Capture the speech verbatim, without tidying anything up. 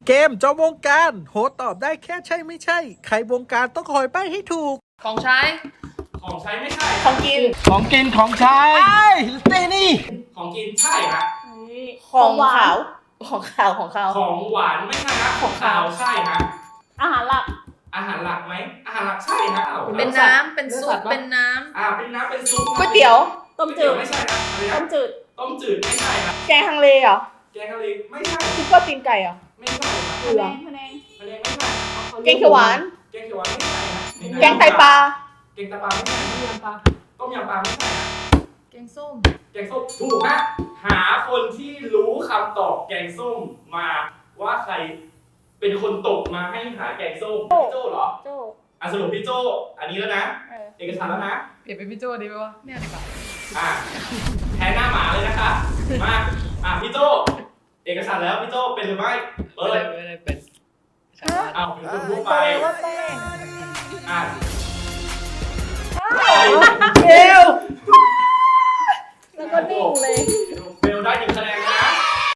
เกมจอมวงการโหตอบได้แค่ใช่ไม่ใช่ใครวงการต้องคอยใบ้ให้ถูกของใช้ของใช้ไม่ใช่ของกินของกินของใช้ไอ้เต้นี่ของกินใช่ฮะของขาวของขาวของขาวของหวานไม่ใช่ฮะของคาวใช่ฮะอาหารหลักอาหารหลักไหมอาหารหลักใช่ฮะอ้าวเป็นน้ำเป็นซุปเป็นน้อ่าเป็นน้ำเป็นซุปำก๋วยเตี๋ยวต้มจืดไม่ใช่ฮะอะไรต้นะมจืดต้มจืดไม่ใช่ฮะแกงฮังเลเหรอแกงทะเลไม่ใช่ซุปเปอร์ตีนไก่เหรอไม่ใช่ฮะพะแนงพะแนงทะเลไม่ใช่แกงเขียวหวานแกงเขียวหวานไม่ใช่ฮะแกงไตปลาแกงไตปลาไม่ใช่ต้มยำปลาไม่ใช่ฮะแกงส้มแกงส้มถูกฮะหาคนที่รู้คำตอบแกงส้มมาว่าใครเป็นคนตกมาให้หาแกงส้มพี่โจ้เหรอโจ้อ่ะสรุปพี่โจ้อันนี้แล้วนะเออเอกสารแล้วนะเปลี่ยนเป็นพี่โจ้ดีไหมวะไม่เอาดีกว่าอ่ะแทนหน้าหมาเลยนะคะมาอ่ะพี่โจ้เอกสารแล้วพี่โจ้เป็นหรือไม่เปิดไม่ได้เป็นอ้าวเป็นคนทั่วไปว่าแป้งอ่ะเอว